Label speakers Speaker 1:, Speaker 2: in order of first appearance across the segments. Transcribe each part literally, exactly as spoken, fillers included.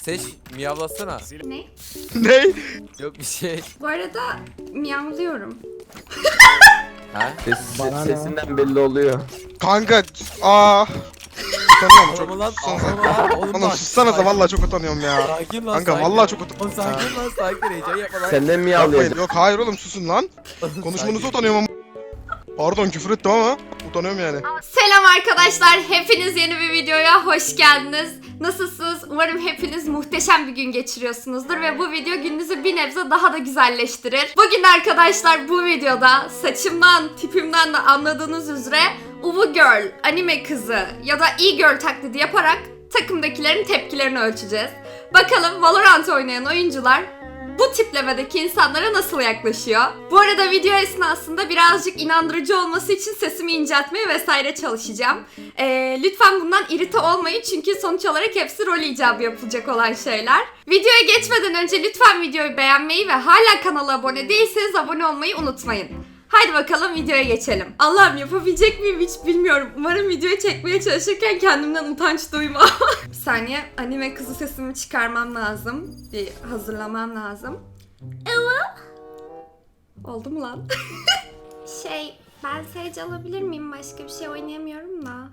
Speaker 1: Seç miyavlasana.
Speaker 2: Ne?
Speaker 3: Ne?
Speaker 1: Yok bir şey.
Speaker 2: Bu arada miyavlıyorum.
Speaker 1: Ha?
Speaker 4: Ses, sesinden belli oluyor.
Speaker 3: Kanka aa. Utanıyorum
Speaker 1: Oğlum
Speaker 3: çok.
Speaker 1: lan.
Speaker 3: Sussana.
Speaker 1: Oğlum lan. Oğlum
Speaker 3: Oğlum
Speaker 1: bak.
Speaker 3: sussanıza vallahi çok utanıyorum ya.
Speaker 1: Sakin lan.
Speaker 3: Kanka
Speaker 1: sakin.
Speaker 3: vallahi çok
Speaker 1: Oğlum
Speaker 3: utanıyorum.
Speaker 1: sakin lan sakin heyecan yapma lan.
Speaker 4: Senden mi
Speaker 3: Yapmayın.
Speaker 4: yağlayacak?
Speaker 3: Yok hayır oğlum susun lan. Konuşmanıza utanıyorum ama. Pardon küfür ettim ama utanıyorum yani.
Speaker 2: Selam arkadaşlar. Hepiniz yeni bir videoya hoş geldiniz. Nasılsınız? Umarım hepiniz muhteşem bir gün geçiriyorsunuzdur ve bu video gününüzü bir nebze daha da güzelleştirir. Bugün arkadaşlar bu videoda saçımdan, tipimden de anladığınız üzere Uvu Girl, anime kızı ya da e-girl taklidi yaparak takımdakilerin tepkilerini ölçeceğiz. Bakalım Valorant oynayan oyuncular bu tiplemedeki insanlara nasıl yaklaşıyor? Bu arada video esnasında birazcık inandırıcı olması için sesimi inceltmeye vesaire çalışacağım. Ee, lütfen bundan irite olmayın çünkü sonuç olarak hepsi rol icabı yapılacak olan şeyler. Videoya geçmeden önce lütfen videoyu beğenmeyi ve hala kanala abone değilseniz abone olmayı unutmayın. Haydi bakalım videoya geçelim. Allah'ım yapabilecek miyim hiç bilmiyorum. Umarım videoyu çekmeye çalışırken kendimden utanç duymam. Bir saniye, anime kızı sesimi çıkarmam lazım. Bir hazırlamam lazım. Ela. Oldu mu lan? şey, ben Sage alabilir miyim? Başka bir şey oynayamıyorum da.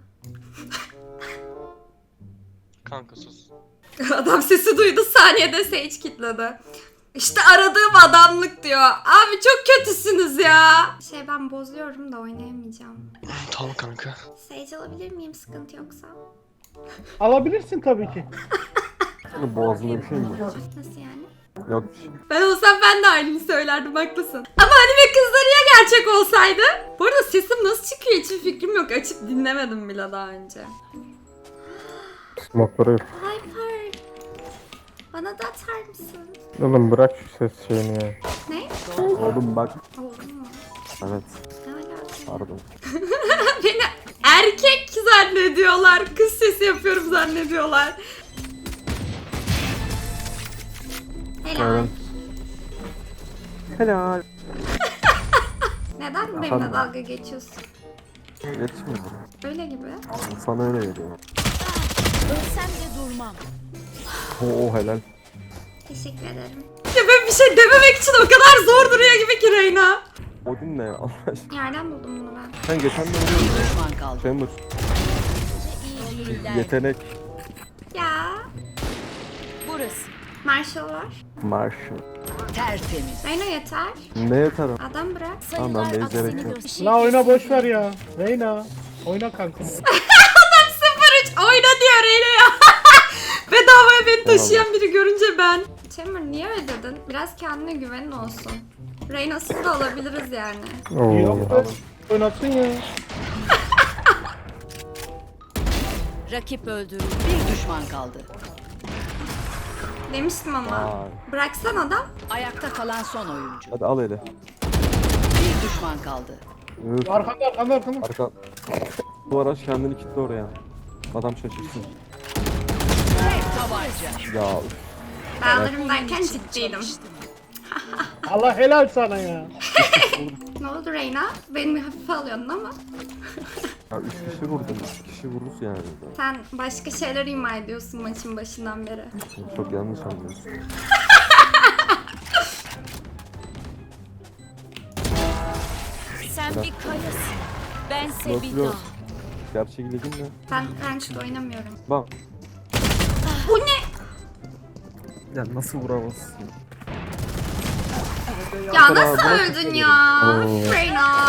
Speaker 5: Kanka sus.
Speaker 2: Adam sesi duydu, saniyede Sage kilitledi. İşte aradığım adamlık diyor. Abi çok kötüsünüz ya. Şey ben bozuyorum da oynayamayacağım.
Speaker 5: Tamam kanka.
Speaker 2: Sage alabilir miyim sıkıntı yoksa?
Speaker 6: Alabilirsin tabii ki.
Speaker 4: Boğazında bir şey mi var?
Speaker 2: Nasıl yani?
Speaker 4: Yok bir şey.
Speaker 2: Ben olsam ben de aynını söylerdim, haklısın. Ama anime kızları ya gerçek olsaydı? Bu arada sesim nasıl çıkıyor hiçbir fikrim yok. Açıp dinlemedim bile daha önce.
Speaker 4: Smoke'ları yok.
Speaker 2: Hyper. Bana da atar mısın?
Speaker 4: Oğlum bırak şu ses şeyini ya.
Speaker 2: Ne?
Speaker 4: Oğlum bak.
Speaker 2: Oldu mu?
Speaker 4: Evet.
Speaker 2: Ne alaka?
Speaker 4: Pardon.
Speaker 2: Beni erkek zannediyorlar. Kız sesi yapıyorum zannediyorlar. Helal.
Speaker 4: Evet. Helal.
Speaker 2: Neden benimle dalga geçiyorsun?
Speaker 4: Geçmiyor.
Speaker 2: Öyle gibi.
Speaker 4: Sana öyle geliyor.
Speaker 7: Ölsem de durmam.
Speaker 4: Oo helal.
Speaker 2: Teşekkür ederim. Ya ben bir şey dememek için o kadar zor duruyor gibi ki Reyna.
Speaker 4: Odin ne ya Allah aşkına?
Speaker 2: Nereden buldum bunu ben?
Speaker 4: Sen geçen de oynuyordun.
Speaker 7: Düşman kaldı.
Speaker 4: Chamber.
Speaker 7: İyi değiller.
Speaker 4: Yetenek.
Speaker 2: Ya.
Speaker 7: Burası.
Speaker 2: Marshall var.
Speaker 4: Marshall.
Speaker 7: Tertemiz.
Speaker 2: Reyna yeter.
Speaker 4: Ne yeter o?
Speaker 2: Adam bırak.
Speaker 4: Tamam, ben
Speaker 7: Sayılar
Speaker 4: benzeyerek
Speaker 7: aksini
Speaker 4: yok.
Speaker 7: gösteriyor.
Speaker 6: La oyna boş ver ya. Reyna. Oyna kanka.
Speaker 2: sıfır üç oyna diyor Reyna ya. Bedavaya beni taşıyan biri görünce ben. Chamber niye öyle dedin? Biraz kendine güvenin olsun. Reyna'sız da olabiliriz yani.
Speaker 4: Oo.
Speaker 6: Yok be. Oynatsın ya.
Speaker 7: Rakip öldürüldü. Bir düşman kaldı.
Speaker 2: Demiştim ama.
Speaker 4: Vay.
Speaker 2: Bıraksan adam.
Speaker 7: Ayakta kalan son oyuncu.
Speaker 4: Hadi al hele.
Speaker 7: Bir düşman kaldı.
Speaker 4: Üf.
Speaker 6: Arkanda arkanda arkanda.
Speaker 4: Arka. Bu araç kendini kilitli oraya. Adam şaşırsın.
Speaker 7: Tek tabanca.
Speaker 4: Ya üf.
Speaker 2: Ben alırım derken ciddiydim.
Speaker 6: Allah helal sana ya.
Speaker 2: Ne oldu Reyna? Beni hafife alıyordun ama.
Speaker 4: Ya üç kişi vurdum. Üç kişi vururuz yani.
Speaker 2: Sen başka şeyler ima ediyorsun maçın başından beri.
Speaker 4: Çok yanlış anlıyorsun.
Speaker 7: Sen bir kayasın. Bense bir
Speaker 4: Nasıl
Speaker 7: dağ.
Speaker 4: yok? Gerçek ilgin ne?
Speaker 2: Ben Ranked oynamıyorum.
Speaker 4: Bak.
Speaker 2: Bu ne?
Speaker 4: Ya nasıl vuramazsın?
Speaker 2: Ya nasıl
Speaker 4: bırak
Speaker 2: öldün ya?
Speaker 4: Oo.
Speaker 2: Reyna.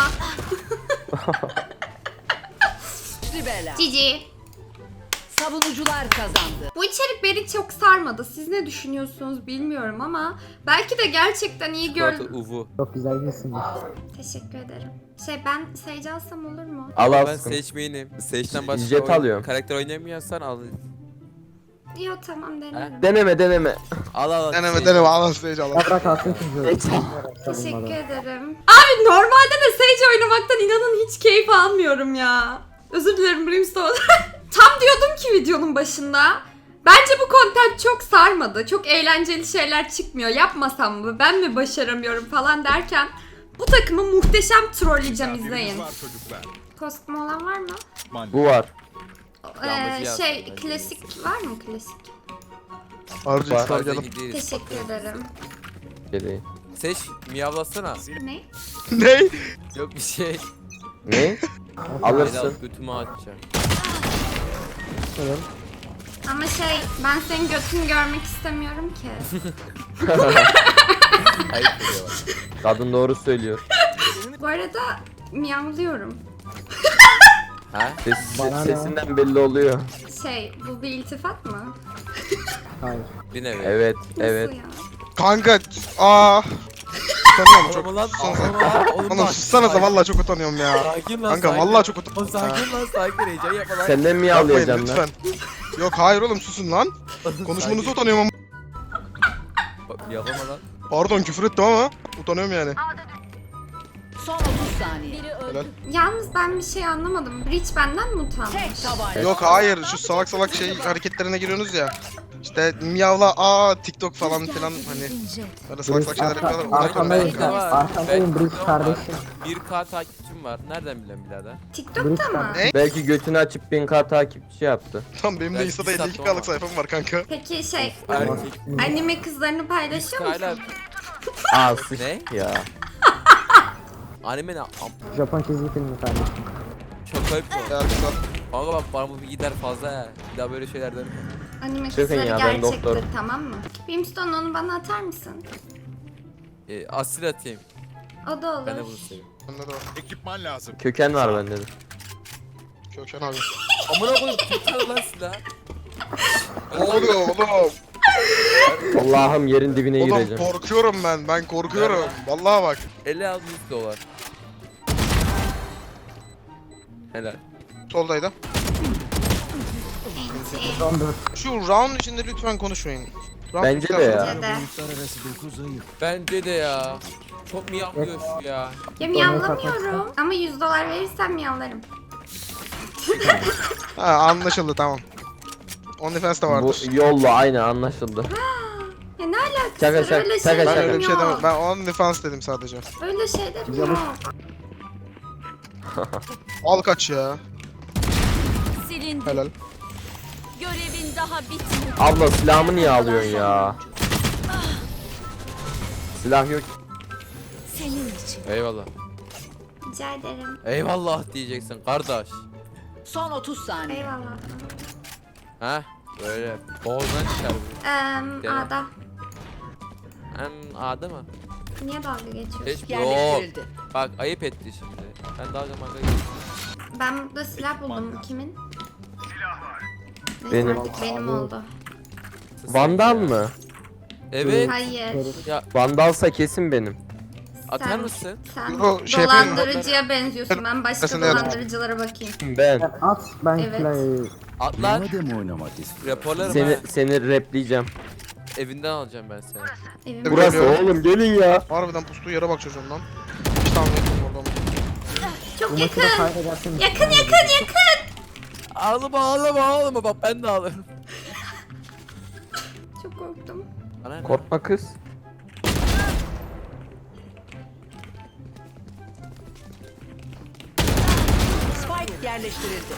Speaker 7: Ribela.
Speaker 2: Cici.
Speaker 7: Savunucular kazandı.
Speaker 2: Bu içerik beni çok sarmadı. Siz ne düşünüyorsunuz bilmiyorum ama belki de gerçekten iyi gör...
Speaker 1: Zaten Uvu.
Speaker 2: Teşekkür ederim. Şey ben Sage alsam olur mu?
Speaker 4: Al
Speaker 1: Ben
Speaker 4: al.
Speaker 1: seçmeyenim. Sage'den başka
Speaker 4: Jet
Speaker 1: oyun-
Speaker 4: alıyorum.
Speaker 1: karakter oynayamıyorsan al.
Speaker 2: Yok tamam denerim.
Speaker 4: Deneme deneme.
Speaker 1: Al al. al.
Speaker 3: Deneme
Speaker 1: Sage.
Speaker 3: deneme alın stage alın.
Speaker 2: Teşekkür ederim. Abi normalde de Sage oynamaktan inanın hiç keyif almıyorum ya. Özür dilerim Brimstone. Tam diyordum ki videonun başında. Bence bu content çok sarmadı. Çok eğlenceli şeyler çıkmıyor. Yapmasam mı? Ben mi başaramıyorum falan derken bu takımı muhteşem trolleyeceğim, izleyin. Kostüm olan var mı?
Speaker 4: Bu var.
Speaker 2: Ee,
Speaker 1: Yağmacı
Speaker 2: şey
Speaker 1: yazdım.
Speaker 2: klasik var mı klasik?
Speaker 3: Harcı
Speaker 4: Var.
Speaker 3: ister
Speaker 1: Fazla
Speaker 3: gelin.
Speaker 1: gidiyoruz.
Speaker 2: Teşekkür ederim.
Speaker 4: Geleyim.
Speaker 1: Seç miyavlasana.
Speaker 2: Ne?
Speaker 3: Ne?
Speaker 1: Yok bir şey.
Speaker 4: Ne?
Speaker 1: Beni
Speaker 4: Alırsın.
Speaker 1: alıp götümü açacağım.
Speaker 2: Ama şey ben senin götünü görmek istemiyorum ki.
Speaker 1: Ayıp oluyor bak.
Speaker 4: Kadın doğru söylüyor.
Speaker 2: Bu arada miyavlıyorum.
Speaker 1: Ha?
Speaker 4: Ses, sesinden belli oluyor.
Speaker 2: Şey bu bir iltifat mı?
Speaker 1: Bir nevi.
Speaker 4: Evet,
Speaker 2: Nasıl
Speaker 4: evet.
Speaker 2: ya?
Speaker 3: Kanka. Aa. Utanıyorum çok.
Speaker 1: Oğlum lan,
Speaker 3: Sussanıza.
Speaker 1: oğlum lan, oğlum
Speaker 3: Oğlum
Speaker 1: bak,
Speaker 3: sussanıza
Speaker 1: sakin.
Speaker 3: vallahi çok utanıyorum ya.
Speaker 1: Sakin lan,
Speaker 3: Kanka
Speaker 1: sakin.
Speaker 3: vallahi çok
Speaker 1: Oğlum
Speaker 3: utanıyorum.
Speaker 1: sakin lan, sakin, heyecan yapma lan.
Speaker 4: Senden mi
Speaker 3: Yapmayın
Speaker 4: yağlayacaksın lan?
Speaker 3: lütfen. Yok hayır oğlum susun lan. Konuşmanıza
Speaker 1: Sakin.
Speaker 3: utanıyorum ama.
Speaker 1: Bak, yapama lan.
Speaker 3: Pardon küfür ettim ama utanıyorum yani.
Speaker 7: Son otuz saniye.
Speaker 3: Helal.
Speaker 2: Yalnız ben bir şey anlamadım. Breach benden mi utanmış?
Speaker 7: Tek tabanca.
Speaker 3: Yok hayır şu salak salak şey hareketlerine giriyorsunuz ya. İşte miyavla aa TikTok falan filan hani böyle salak salak şeyler yapıyorlar. Utanıyorum
Speaker 1: Arkandayım,
Speaker 3: ben.
Speaker 1: var.
Speaker 8: arkandayım,
Speaker 1: Ben-
Speaker 8: Breach kardeşim.
Speaker 1: bir K takipçim var. Nereden bilen birader?
Speaker 2: TikTok'ta mı?
Speaker 3: Ne?
Speaker 4: Belki götünü açıp bin K takipçi yaptı.
Speaker 3: Tam benim de
Speaker 1: Ben
Speaker 3: Insta'da
Speaker 1: bir
Speaker 3: elli iki
Speaker 1: sattım
Speaker 3: K'lık sayfam var kanka.
Speaker 2: Peki şey
Speaker 1: Erkek.
Speaker 2: anime kızlarını paylaşıyor
Speaker 1: Hala
Speaker 2: musun?
Speaker 4: Aa sıç
Speaker 1: Ne?
Speaker 4: ya.
Speaker 1: Anime ne? Am
Speaker 8: Japon çizgi filmi kardeşim.
Speaker 1: çok ayıp bu.
Speaker 3: Ya güzel.
Speaker 1: Kanka bak bana bu bir gider fazla ya. Bir daha böyle şeyler dönme.
Speaker 2: Anime
Speaker 4: Çıkın
Speaker 2: kızları
Speaker 4: ya, ben
Speaker 2: gerçektir
Speaker 4: doktorum.
Speaker 2: tamam mı? Brimstone onu bana atar mısın?
Speaker 1: Ee, asil atayım.
Speaker 2: O da olur.
Speaker 1: Ben de bunu seviyorum.
Speaker 3: Bende de var.
Speaker 4: Köken var bende de.
Speaker 3: Köken abi.
Speaker 1: Amına koyayım tutar lan silah.
Speaker 3: Ne oluyor oğlum?
Speaker 4: Allah'ım yerin dibine
Speaker 3: Oğlum
Speaker 4: gireceğim.
Speaker 3: korkuyorum ben. Ben korkuyorum. Vallahi bak.
Speaker 1: elli al yüz dolar. Helal.
Speaker 3: Soldaydı.
Speaker 8: Son dört.
Speaker 3: Şu round içinde lütfen konuşmayın. Round
Speaker 4: Bence
Speaker 3: bittikten
Speaker 4: de
Speaker 3: sonra-
Speaker 4: ya.
Speaker 2: Dede.
Speaker 1: Bence de ya. Çok mu yapıyor şu ya?
Speaker 2: Ya miyavlamıyorum. Ama yüz dolar verirsen miyavlarım.
Speaker 3: Ha anlaşıldı tamam. OnlyFans da
Speaker 4: Bu
Speaker 3: vardır.
Speaker 4: yolla aynı anlaşıldı.
Speaker 2: Ya ne alakası
Speaker 4: Şaka,
Speaker 2: var?
Speaker 4: şaka,
Speaker 2: Öyle
Speaker 4: şaka,
Speaker 2: şeylerim
Speaker 3: Ben
Speaker 4: şaka.
Speaker 3: öyle bir şey demem.
Speaker 2: yok.
Speaker 3: Ben OnlyFans dedim sadece.
Speaker 2: Öyle şeylerim
Speaker 8: Yavuz.
Speaker 2: yok.
Speaker 3: Al kaç ya.
Speaker 7: Silindi.
Speaker 3: Helal.
Speaker 7: Görevin daha bitmedi.
Speaker 4: Abla silahımı niye alıyorsun ya? Silah yok.
Speaker 7: Senin için.
Speaker 1: Eyvallah.
Speaker 2: Rica ederim.
Speaker 1: Eyvallah diyeceksin kardeş.
Speaker 7: Son otuz saniye.
Speaker 2: Eyvallah.
Speaker 1: Ha? Böyle boğazdan çıkar bu.
Speaker 2: Eee
Speaker 1: Gel.
Speaker 2: A'da.
Speaker 1: Hem A'da mı?
Speaker 2: Niye dalga geçiyorsun?
Speaker 1: Hiç yok.
Speaker 7: Yerleştirildi.
Speaker 1: Bak ayıp etti şimdi. Ben daha zaman
Speaker 2: Ben burada silah buldum. Kimin? Neyse,
Speaker 4: Benim.
Speaker 2: artık benim oldu.
Speaker 4: Vandal mı?
Speaker 1: Evet.
Speaker 2: Hayır.
Speaker 1: Ya
Speaker 4: Vandalsa kesin benim.
Speaker 1: atar
Speaker 2: Sen-
Speaker 1: mısın?
Speaker 2: Sen
Speaker 3: Yo, şey yapayım mı?
Speaker 2: dolandırıcıya benziyorsun. Ben başka
Speaker 3: Aslında evet.
Speaker 2: dolandırıcılara bakayım.
Speaker 4: Ben.
Speaker 8: At ben
Speaker 2: Evet.
Speaker 8: silahı.
Speaker 1: At lan. Raporlarım
Speaker 4: Seni
Speaker 1: ha.
Speaker 4: seni repleyeceğim.
Speaker 1: Evinden alacağım ben seni.
Speaker 2: Evim.
Speaker 3: Burası-
Speaker 4: Burası
Speaker 3: Geliyorum.
Speaker 4: oğlum gelin ya.
Speaker 3: Harbiden pustuğu yere bak çocuğum lan. Hiç tahmin etmedim oradan.
Speaker 2: Çok
Speaker 8: Bu maçı da
Speaker 2: yakın.
Speaker 8: kaybedersin.
Speaker 2: Yakın yakın yakın.
Speaker 1: Ağlama ağlama ağlama bak ben de ağlarım.
Speaker 2: Çok korktum.
Speaker 1: Bana ne?
Speaker 4: Korkma kız.
Speaker 7: Spike yerleştirildi.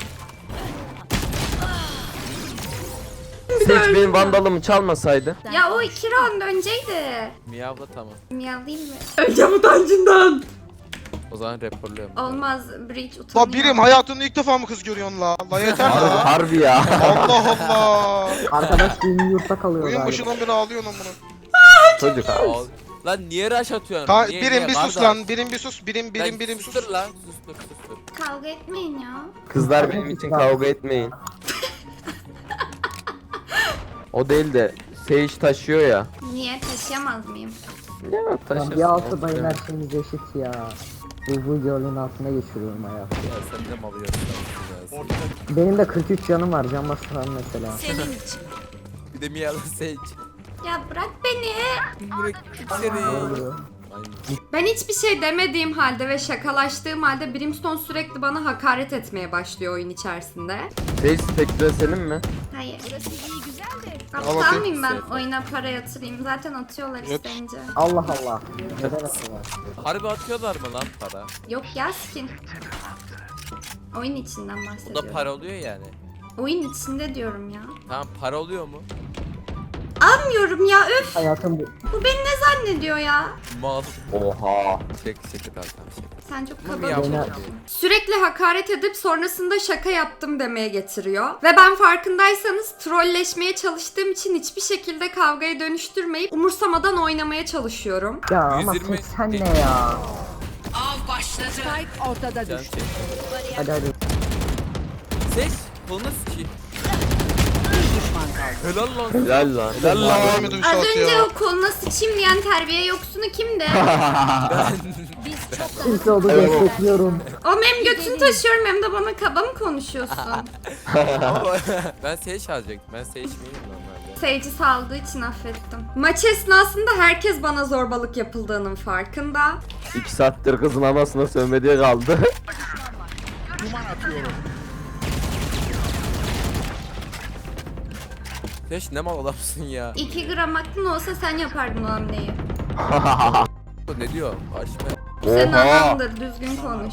Speaker 4: Seç benim vandalımı çalmasaydı.
Speaker 2: Ya o iki round önceydi.
Speaker 1: Miyavla tamam.
Speaker 2: Miyavlayayım mı? Öleceğim utancından.
Speaker 1: O zaman raporluyorum.
Speaker 2: Olmaz. Breach utanıyor.
Speaker 3: La birim hayatında ilk defa mı kız görüyorsun la? La yeter
Speaker 4: Harbi,
Speaker 3: la.
Speaker 4: harbi ya.
Speaker 3: Allah Allah.
Speaker 8: Arkadaş düğünü yurtta kalıyor
Speaker 3: Oyun
Speaker 8: galiba.
Speaker 3: başından beri ağlıyorsun amına.
Speaker 4: Çocuk abi.
Speaker 1: Al. Lan niye rush atıyorsun?
Speaker 3: Ta
Speaker 1: Niye,
Speaker 3: birim
Speaker 1: niye?
Speaker 3: bir sus
Speaker 1: Kardeş.
Speaker 3: lan. Birim bir sus. Birim birim
Speaker 1: Lan
Speaker 3: birim sus.
Speaker 1: sustur lan. Sustur sustur.
Speaker 2: Kavga etmeyin ya.
Speaker 4: Kızlar benim için kavga etmeyin. O değil de Sage taşıyor ya.
Speaker 2: Niye taşıyamaz mıyım?
Speaker 4: Ya
Speaker 8: Lan
Speaker 4: taşırsın.
Speaker 8: bir altı bayın her şeyimiz eşit ya. Bu bu yolun altına geçiriyorum hayatı.
Speaker 1: Ya sen de mal yiyorsun. ya.
Speaker 8: Benim de kırk üç canım var can bastıran mesela.
Speaker 7: Senin için.
Speaker 1: Bir de Miyavla seç.
Speaker 2: Ya bırak beni.
Speaker 1: Bırak seni.
Speaker 8: Oluyor.
Speaker 1: Aynen.
Speaker 2: Ben hiçbir şey demediğim halde ve şakalaştığım halde Brimstone sürekli bana hakaret etmeye başlıyor oyun içerisinde.
Speaker 4: Sage Spectre senin mi?
Speaker 2: Hayır.
Speaker 3: Al
Speaker 2: Aptal
Speaker 3: bakayım.
Speaker 2: mıyım ben
Speaker 1: Sefer.
Speaker 2: oyuna para yatırayım? Zaten atıyorlar
Speaker 3: Evet.
Speaker 2: isteyince.
Speaker 8: Allah Allah. Neden atıyorlar?
Speaker 1: Harbi atıyorlar mı lan para?
Speaker 2: Yok ya skin. Oyun içinden
Speaker 1: O da
Speaker 2: bahsediyorum.
Speaker 1: para oluyor yani.
Speaker 2: Oyun içinde diyorum ya.
Speaker 1: Tamam para oluyor mu?
Speaker 2: Aa inanamıyorum ya. Öf.
Speaker 8: Hayatım bu.
Speaker 2: Bu beni ne zannediyor ya?
Speaker 1: Mal.
Speaker 4: Oha.
Speaker 1: Çek çek tamam tamam çek.
Speaker 2: Sen çok
Speaker 1: Mami
Speaker 2: kaba.
Speaker 1: yapma.
Speaker 2: Sürekli hakaret edip sonrasında şaka yaptım demeye getiriyor. Ve ben farkındaysanız trolleşmeye çalıştığım için hiçbir şekilde kavgaya dönüştürmeyip umursamadan oynamaya çalışıyorum.
Speaker 8: Ya ama
Speaker 1: yüz yirmi
Speaker 8: seksen ne ya?
Speaker 7: Av başladı. Spike ortada
Speaker 1: Can
Speaker 7: düştü.
Speaker 1: çek.
Speaker 8: Hadi hadi.
Speaker 1: Seç. Kolunu sikeyim.
Speaker 7: Bir düşman kaldı.
Speaker 1: Helal lan.
Speaker 4: Helal lan.
Speaker 3: Helal lan. Ahmet
Speaker 2: Az
Speaker 3: Uysal
Speaker 2: önce
Speaker 3: atıyor.
Speaker 2: o koluna sıçayım diyen terbiye yoksunu kimdi?
Speaker 8: İlk oldu destekliyorum.
Speaker 2: O hem götünü taşıyorum hem de bana kaba mı konuşuyorsun?
Speaker 1: Ama ben Sage alacaktım. Ben Sage miyim normalde?
Speaker 2: Seyirci saldığı için affettim. Maç esnasında herkes bana zorbalık yapıldığının farkında.
Speaker 4: İki saattir kızın anasına sövmediği kaldı.
Speaker 1: Sage ne mal adamsın ya.
Speaker 2: iki gram aklın olsa sen yapardın o hamleyi.
Speaker 1: Bu ne diyor? Açma.
Speaker 2: Senin
Speaker 4: Oha.
Speaker 2: anamdır, düzgün konuş.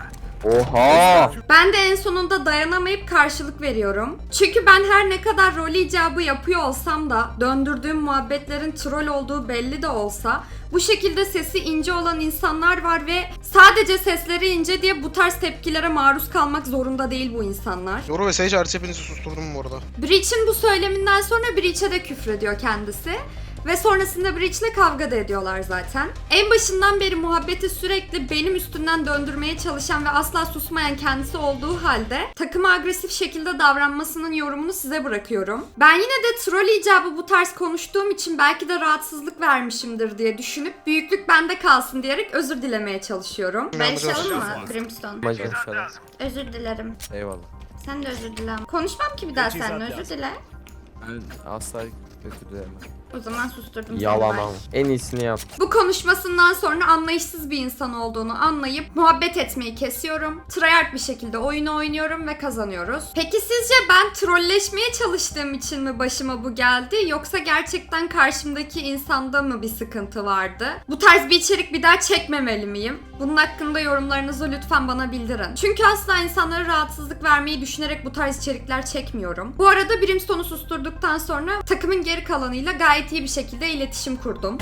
Speaker 4: Oha.
Speaker 2: Ben de en sonunda dayanamayıp karşılık veriyorum. Çünkü ben her ne kadar rol icabı yapıyor olsam da döndürdüğüm muhabbetlerin troll olduğu belli de olsa bu şekilde sesi ince olan insanlar var ve sadece sesleri ince diye bu tarz tepkilere maruz kalmak zorunda değil bu insanlar.
Speaker 3: Yoru ve Sage hariç hepinizi susturdum bu arada.
Speaker 2: Breach'in bu söyleminden sonra Breach'e de küfrediyor kendisi. Ve sonrasında Breach'le kavga da ediyorlar zaten. En başından beri muhabbeti sürekli benim üstümden döndürmeye çalışan ve asla susmayan kendisi olduğu halde takıma agresif şekilde davranmasının yorumunu size bırakıyorum. Ben yine de troll icabı bu tarz konuştuğum için belki de rahatsızlık vermişimdir diye düşünüp büyüklük bende kalsın diyerek özür dilemeye çalışıyorum. Barışalım mı Brimstone?
Speaker 1: Konuşalım.
Speaker 2: Özür dilerim.
Speaker 1: Eyvallah.
Speaker 2: Sen de özür dilerim. Konuşmam ki bir daha seninle, özür dile.
Speaker 1: Ben asla özür dilemem.
Speaker 2: O zaman susturdum seni.
Speaker 4: Yalan
Speaker 2: bye.
Speaker 4: ama. En iyisini yap.
Speaker 2: Bu konuşmasından sonra anlayışsız bir insan olduğunu anlayıp muhabbet etmeyi kesiyorum. Tryhard bir şekilde oyunu oynuyorum ve kazanıyoruz. Peki sizce ben trolleşmeye çalıştığım için mi başıma bu geldi yoksa gerçekten karşımdaki insanda mı bir sıkıntı vardı? Bu tarz bir içerik bir daha çekmemeli miyim? Bunun hakkında yorumlarınızı lütfen bana bildirin. Çünkü asla insanlara rahatsızlık vermeyi düşünerek bu tarz içerikler çekmiyorum. Bu arada Brimstone'u susturduktan sonra takımın geri kalanıyla gayet iyi bir şekilde iletişim kurdum.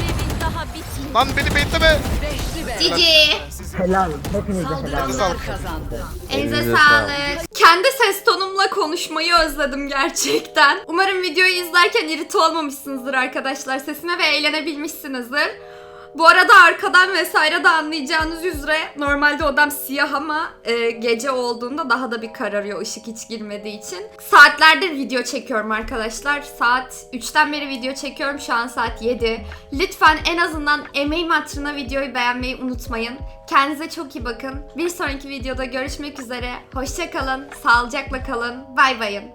Speaker 3: Lan beni bekleme.
Speaker 7: Beşli be.
Speaker 2: Cici!
Speaker 8: Helal. Hepinize helal.
Speaker 7: Saldıranlar kazandı.
Speaker 2: Elinize
Speaker 4: Elinize
Speaker 2: sağlık. Kendi ses tonumla konuşmayı özledim gerçekten. Umarım videoyu izlerken irite olmamışsınızdır arkadaşlar. Sesime ve eğlenebilmişsinizdir. Bu arada arkadan vesaire de anlayacağınız üzere normalde odam siyah ama e, gece olduğunda daha da bir kararıyor ışık hiç girmediği için. Saatlerdir video çekiyorum arkadaşlar. Saat üçten beri video çekiyorum. Şu an saat yedi. Lütfen en azından emeğim hatırına videoyu beğenmeyi unutmayın. Kendinize çok iyi bakın. Bir sonraki videoda görüşmek üzere. Hoşça kalın, sağlıcakla kalın. Bay bayın.